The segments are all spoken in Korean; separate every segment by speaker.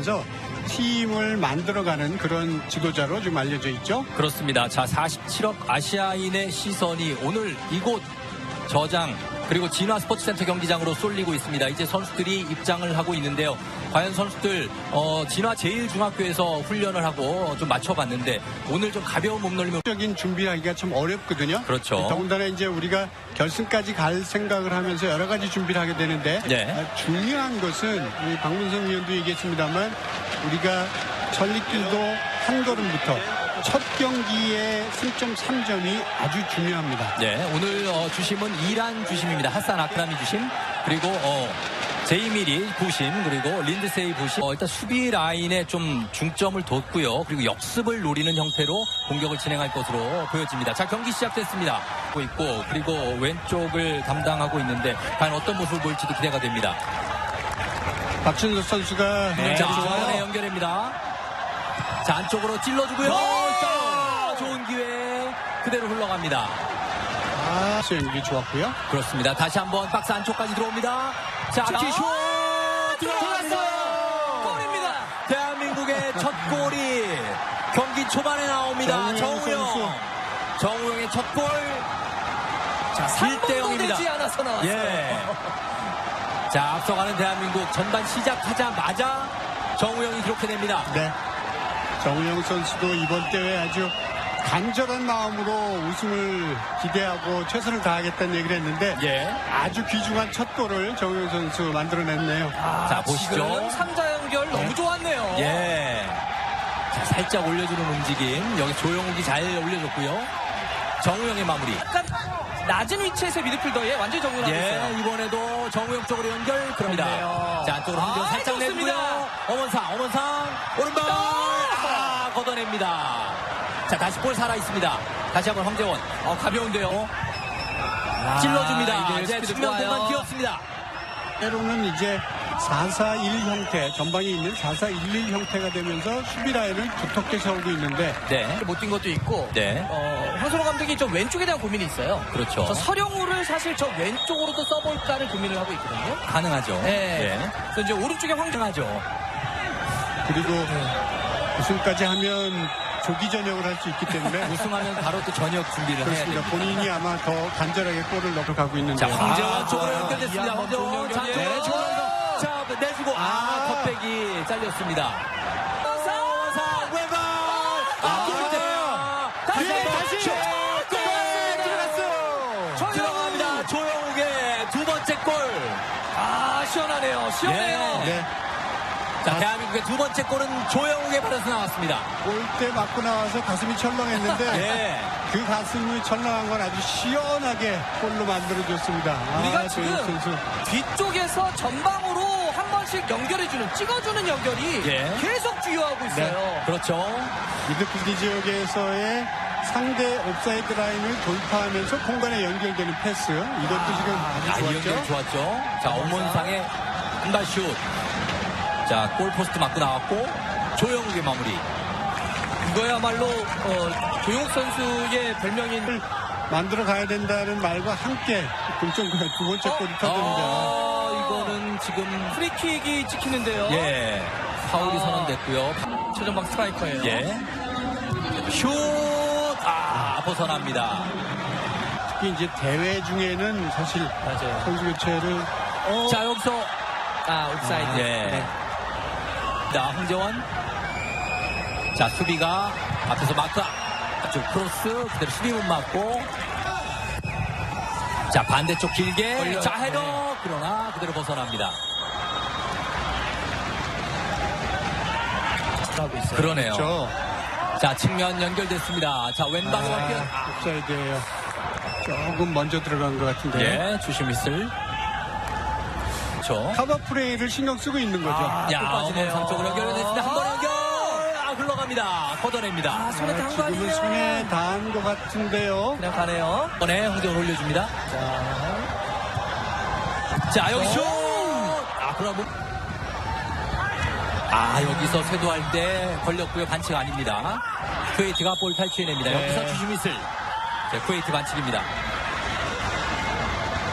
Speaker 1: 하면서 팀을 만들어가는 그런 지도자로 좀 알려져 있죠.
Speaker 2: 그렇습니다. 자, 47억 아시아인의 시선이 오늘 이곳 저장 그리고 진화 스포츠센터 경기장으로 쏠리고 있습니다. 이제 선수들이 입장을 하고 있는데요. 과연 선수들 진화 제일중학교에서 훈련을 하고 좀 맞춰봤는데 오늘 좀 가벼운 몸놀림을
Speaker 1: 적인 준비하기가 참 어렵거든요.
Speaker 2: 그렇죠.
Speaker 1: 더군다나 이제 우리가 결승까지 갈 생각을 하면서 여러 가지 준비를 하게 되는데
Speaker 2: 네.
Speaker 1: 중요한 것은 우리 박문성 위원도 얘기했습니다만 우리가 전리길도 한 걸음부터 첫 경기의 승점 3점이 아주 중요합니다.
Speaker 2: 네, 오늘 주심은 이란 주심입니다. 하산 아크라미 주심 그리고 제이미리 부심 그리고 린드세이 부심 일단 수비 라인에 좀 중점을 뒀고요. 그리고 역습을 노리는 형태로 공격을 진행할 것으로 보여집니다. 자, 경기 시작됐습니다. 있고 그리고 왼쪽을 담당하고 있는데 과연 어떤 모습을 보일지도 기대가 됩니다.
Speaker 1: 박준석 선수가
Speaker 2: 네, 자, 중간에 연결합니다. 자, 안쪽으로 찔러주고요. 좋은 기회 그대로 흘러갑니다.
Speaker 1: 수행이 좋았고요.
Speaker 2: 그렇습니다. 다시 한번 박스 안쪽까지 들어옵니다. 자, 슛 들어갔어요.
Speaker 3: 골입니다.
Speaker 2: 대한민국의 첫 골이 경기 초반에 나옵니다. 정우영. 정우영의 첫 골. 자, 1대 0입니다.
Speaker 3: 되지 않아서 나왔어요.
Speaker 2: 예. 자, 앞서가는 대한민국 전반 시작하자마자 정우영이 기록해냅니다.
Speaker 1: 네. 정우영 선수도 이번 대회 아주 간절한 마음으로 우승을 기대하고 최선을 다하겠다는 얘기를 했는데
Speaker 2: 예.
Speaker 1: 아주 귀중한 첫 골을 정우영 선수 만들어냈네요.
Speaker 2: 자, 보시죠.
Speaker 3: 3자 연결 너무 좋았네요.
Speaker 2: 예. 자, 살짝 올려주는 움직임. 여기 조영욱이 잘 올려줬고요. 정우영의 마무리.
Speaker 3: 약간 낮은 위치에서 미드필더에 완전히 정리하고 있어요.
Speaker 2: 예, 이번에도 정우영 쪽으로 연결. 그럽니다.
Speaker 3: 그렇네요.
Speaker 2: 자, 안쪽으로 한쪽 살짝
Speaker 3: 좋습니다.
Speaker 2: 내고요. 엄원상, 오른발. 걷어냅니다. 자, 다시 볼 살아있습니다. 다시 한번 황재원. 가벼운데요. 찔러줍니다. 이제 측면 공간 비었습니다.
Speaker 1: 때로는 이제 4-4-1 형태, 전방에 있는 4-4-1-1 형태가 되면서 수비 라인을 두텁게 세우고 있는데
Speaker 2: 네.
Speaker 3: 못 뛴 것도 있고
Speaker 2: 네.
Speaker 3: 황선호 감독이 좀 왼쪽에 대한 고민이 있어요.
Speaker 2: 그렇죠.
Speaker 3: 저 서령우를 사실 저 왼쪽으로도 써볼까를 고민을 하고 있거든요.
Speaker 2: 가능하죠.
Speaker 3: 네. 그래서 이제 오른쪽에 황정하죠.
Speaker 1: 그리고 우승까지 하면 조기 전역을 할 수 있기 때문에
Speaker 2: 우승하면 바로 또 저녁 준비를 해야
Speaker 1: 그렇습니다.
Speaker 2: 됩니다.
Speaker 1: 본인이 아마 더 간절하게 골을 넣고 가고 있는데
Speaker 2: 자, 황재원 쪽으로 연결됐습니다. 황재원. 자,
Speaker 3: 네,
Speaker 2: 자, 내주고 컵백이 잘렸습니다. 원상 왼발. 다시
Speaker 3: 들어갔어요.
Speaker 2: 들어갑니다. 조영욱의 두 번째 골.
Speaker 3: 시원하네요. 시원해요.
Speaker 1: 네.
Speaker 2: 자, 대한민국의 두 번째 골은 조영욱의 발에서 나왔습니다.
Speaker 1: 골대 맞고 나와서 가슴이 철렁했는데
Speaker 2: 예.
Speaker 1: 그 가슴이 철렁한 건 아주 시원하게 골로 만들어줬습니다.
Speaker 3: 우리가
Speaker 1: 조영욱
Speaker 3: 지금
Speaker 1: 선수.
Speaker 3: 뒤쪽에서 전방으로 한 번씩 연결해주는 찍어주는 연결이
Speaker 2: 예.
Speaker 3: 계속 주요하고 있어요.
Speaker 1: 네.
Speaker 2: 그렇죠.
Speaker 1: 미드필드 지역에서의 상대 옵사이드 라인을 돌파하면서 공간에 연결되는 패스 이것도 지금 아주
Speaker 2: 이 연결
Speaker 1: 좋았죠.
Speaker 2: 좋았죠. 자, 엄원상의 한발 슛. 자, 골포스트 맞고 나왔고 조영욱의 마무리.
Speaker 3: 이거야말로 조용욱 선수의 별명인
Speaker 1: 만들어 가야 된다는 말과 함께 동점골 두 번째 골이 터지는데
Speaker 2: 이거는 지금
Speaker 3: 프리킥이 찍히는데요.
Speaker 2: 예 파울이 선언됐고요.
Speaker 3: 최전방 스트라이커예요.
Speaker 2: 예. 슛! 벗어납니다.
Speaker 1: 특히 이제 대회 중에는 사실
Speaker 3: 맞아요.
Speaker 1: 선수 교체를
Speaker 2: 자, 여기서
Speaker 3: 옵사이드.
Speaker 2: 예.
Speaker 3: 네.
Speaker 2: 자, 황재원. 자, 수비가 앞에서 마크 앞쪽 크로스 그대로 수비 못 맞고 자, 반대쪽 길게
Speaker 3: 걸려요.
Speaker 2: 자, 헤더 그러나 그대로 벗어납니다.
Speaker 3: 하고 있어요.
Speaker 2: 그러네요.
Speaker 1: 그렇죠.
Speaker 2: 자, 측면 연결됐습니다. 자, 왼방으로
Speaker 1: 옵사이드예요. 조금 먼저 들어간 것 같은데
Speaker 2: 예, 주심 있을. 그렇죠.
Speaker 1: 커버 플레이를 신경 쓰고 있는 거죠.
Speaker 2: 야,
Speaker 3: 또 빠지네요.
Speaker 2: 엄원상 쪽으로 연결됐습니다. 한 번 연결. 흘러갑니다. 걷어냅니다.
Speaker 3: 손에 닿은 거
Speaker 1: 지금은
Speaker 3: 아니에요?
Speaker 1: 손에 닿은 것 같은데요.
Speaker 3: 그냥 가네요.
Speaker 2: 이번에 황재원 올려줍니다. 자, 여기 슛! 그럼 여기서 쇄도할 때 걸렸고요. 반칙 아닙니다. 쿠웨이트가 볼 탈취해냅니다.
Speaker 1: 네.
Speaker 2: 여기서 주심 있을. 자, 쿠웨이트 반칙입니다.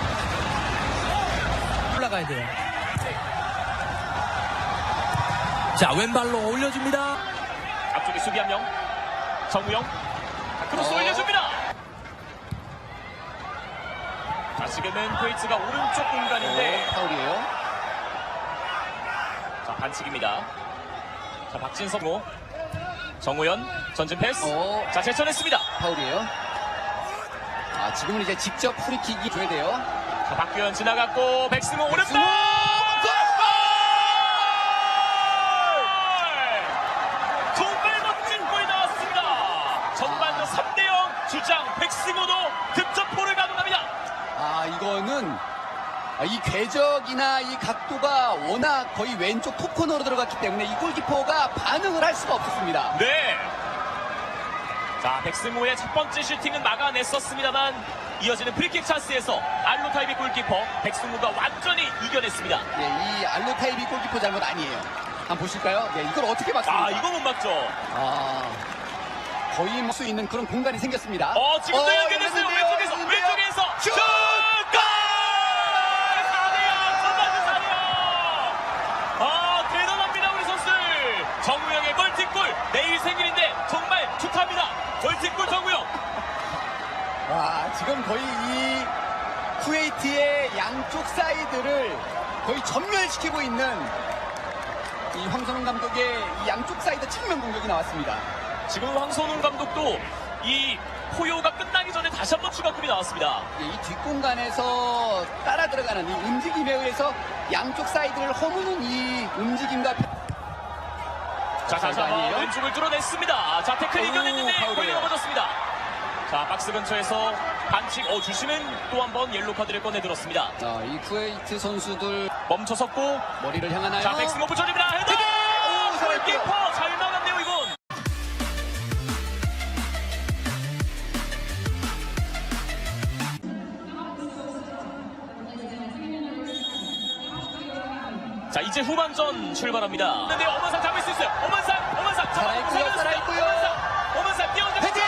Speaker 3: 올라가야 돼요.
Speaker 2: 자, 왼발로 올려줍니다.
Speaker 4: 앞쪽에 수비 한 명. 정우영. 크로스 올려줍니다. 자, 지금은 쿠웨이트가 오른쪽 공간인데
Speaker 5: 파울이에요.
Speaker 4: 자, 반칙입니다. 자, 박진성호. 정우현 전진 패스. 자, 제쳐냈습니다.
Speaker 5: 파울이에요. 아, 지금은 이제 직접 프리킥이 줘야 돼요.
Speaker 4: 자, 박규현 지나갔고 백승호 오른발.
Speaker 5: 백승호!
Speaker 4: 정말 멋진 골이 나왔습니다. 전반전 3대0 주장 백승호도 득점포를 가동합니다.
Speaker 5: 아, 이거는 이 궤적이나 이 각도가 워낙 거의 왼쪽 톱코너로 들어갔기 때문에 이 골키퍼가 반응을 할 수가 없었습니다.
Speaker 4: 네. 자, 백승호의 첫 번째 슈팅은 막아냈었습니다만 이어지는 프리킥 찬스에서 알로타이비 골키퍼 백승호가 완전히 이겨냈습니다.
Speaker 5: 네, 이 알로타이비 골키퍼 잘못 아니에요. 한번 보실까요? 네, 이걸 어떻게 막습니까?
Speaker 4: 아, 이거 못 막죠.
Speaker 5: 거의 수 있는 그런 공간이 생겼습니다.
Speaker 4: 지금도 연결됐어요. 왼쪽에서
Speaker 5: 연결됐는데요.
Speaker 4: 왼쪽에서
Speaker 5: 슛!
Speaker 4: 골! 4대0 전반전 4대0. 대단합니다 우리 선수. 정우영의 멀티골. 내일 생일인데 정말 축하합니다. 멀티골 정우영.
Speaker 5: 와, 지금 거의 이 쿠웨이트의 양쪽 사이드를 거의 전멸시키고 있는 이 황선홍 감독의 이 양쪽 사이드 측면 공격이 나왔습니다.
Speaker 4: 지금 황선웅 감독도 이 포효가 끝나기 전에 다시 한번 추가급이 나왔습니다.
Speaker 5: 이 뒷공간에서 따라 들어가는 이 움직임에 의해서 양쪽 사이드를 허무는 이 움직임과
Speaker 4: 자, 다시 한번 왼쪽을 뚫어냈습니다. 자, 태클 이겨냈는데
Speaker 5: 파울이에요.
Speaker 4: 골이 넘어졌습니다. 자, 박스 근처에서 반칙. 주심은 또 한 번 옐로 카드를 꺼내들었습니다.
Speaker 5: 이 쿠웨이트 선수들
Speaker 4: 멈춰섰고
Speaker 5: 머리를 향하나요?
Speaker 4: 자, 백승호 붙여줍니다. 헤더! 골키퍼 잘 막았네요 이건. 자, 이제 후반전 출발합니다. 근데 엄원상 잡을 수 있어요. 엄원상
Speaker 5: 살아있고요.
Speaker 4: 엄원상 뛰어들.
Speaker 5: 헤딩!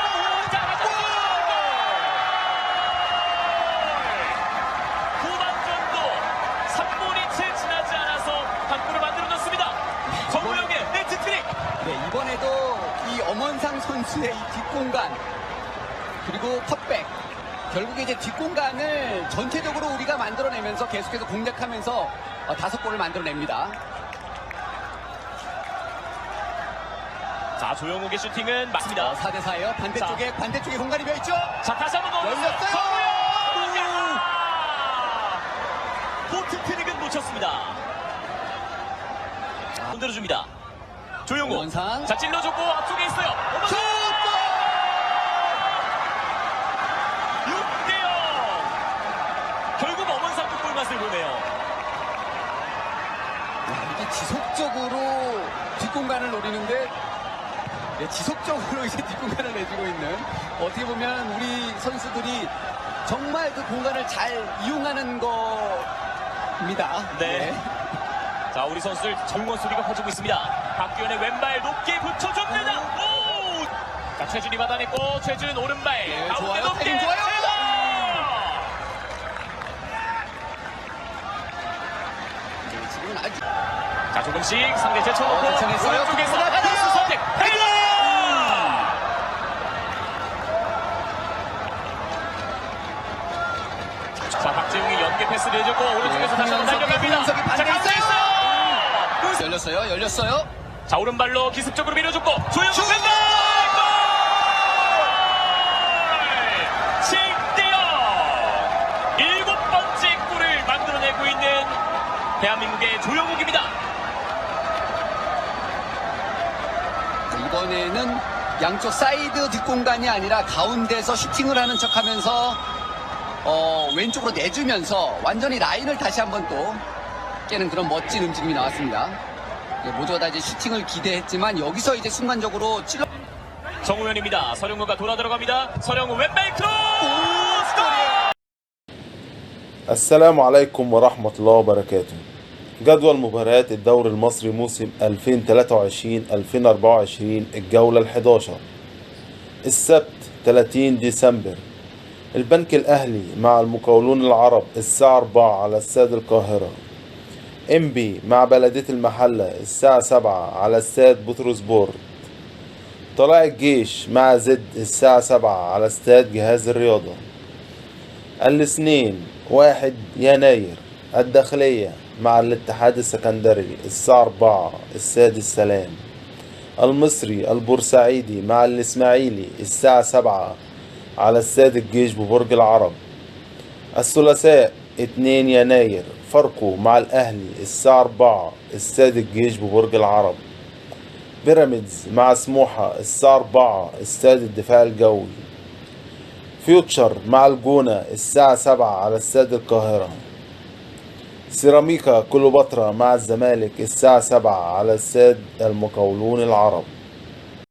Speaker 4: 후반전도 3분이 채 지나지 않아서 한 골을 만들어줬습니다. 정우영의 네트 트릭.
Speaker 5: 네, 이번에도 이 엄원상 선수의 이 뒷공간 그리고 컷백 결국에 이제 뒷공간을 전체적으로 우리가 만들어내면서 계속해서 공략하면서 5골을 만들어냅니다.
Speaker 4: 자, 조영욱의 슈팅은 맞습니다.
Speaker 5: 4대4예요. 반대쪽에 공간이 비어있죠?
Speaker 4: 자, 다시 한번 넣어줬어요.
Speaker 5: 열렸어요.
Speaker 4: 정우영! 포트 트릭은 놓쳤습니다. 흔들어줍니다. 조영욱.
Speaker 5: 엄원상.
Speaker 4: 자, 찔러줬고 앞쪽에 있어요.
Speaker 5: 슛!
Speaker 4: 6대0. 결국 엄원상도 골맛을 보네요.
Speaker 5: 이게 지속적으로 뒷공간을 노리는데 지속적으로 이제 뒷공간을 내주고 있는 어떻게 보면 우리 선수들이 정말 그 공간을 잘 이용하는 겁니다.
Speaker 4: 네. 자, 우리 선수들 정원 소리가 퍼지고 있습니다. 박규현의 왼발 높게 붙여줍니다. 오! 자, 최준이 받아냈고 최준 오른발
Speaker 5: 네,
Speaker 4: 가운데
Speaker 5: 좋아요.
Speaker 4: 높게
Speaker 5: 타이밍 좋아요.
Speaker 4: 헤더!
Speaker 5: 네, 지금은 아주
Speaker 4: 자, 조금씩 상대 제쳐놓고
Speaker 5: 괜찮았어요.
Speaker 4: 오른쪽에서
Speaker 5: 나가요.
Speaker 4: 크로스 선택 헤더! 자, 박재웅이 연계 패스를 해줬고 오른쪽에서 다시 한번 달려갑니다.
Speaker 5: 홍명석이
Speaker 4: 자,
Speaker 5: 반대에
Speaker 4: 가운데 있어요.
Speaker 5: 열렸어요.
Speaker 4: 자, 오른발로 기습적으로 밀어줬고 조영욱
Speaker 5: 슛!
Speaker 4: 왼발 골! 7대0 7번째 골을 만들어내고 있는 대한민국의 조영욱입니다.
Speaker 5: 이번에는 양쪽 사이드 뒷공간이 아니라 가운데서 슈팅을 하는 척하면서 왼쪽으로 내주면서 완전히 라인을 다시 한번 또 깨는 그런 멋진 움직임이 나왔습니다. 모두가 다 이제 슈팅을 기대했지만 여기서 이제 순간적으로 찔러
Speaker 4: 정우현입니다. 서령우가 돌아 들어갑니다. 서령우 왼발 크로스!
Speaker 6: السلام عليكم ورحمة الله وبركاته. جدول مباريات الدوري المصري موسم 2023-2024 الجولة ال11 السبت 30 ديسمبر البنك الأهلي مع المقاولون العرب الساعة 4 على استاد القاهرة. إنبي مع بلدية المحلة الساعة 7 على استاد بتروسبورت. طلائع الجيش مع زد الساعة 7 على استاد جهاز الرياضة. الاثنين 1 يناير الداخلية مع الاتحاد السكندري الساعة 4 استاد السلام. المصري البورسعيدي مع الإسماعيلي الساعة 7 على استاد الجيش ببرج العرب. الثلاثاء 2 يناير فاركو مع الأهلي الساعة 4 استاد الجيش ببرج العرب. بيراميدز مع سموحة الساعة 4 استاد الدفاع الجوي. فيوتشر مع الجونة الساعة 7 على استاد القاهرة. سيراميكا كليوباترا مع الزمالك الساعة 7 على استاد المقاولون العرب.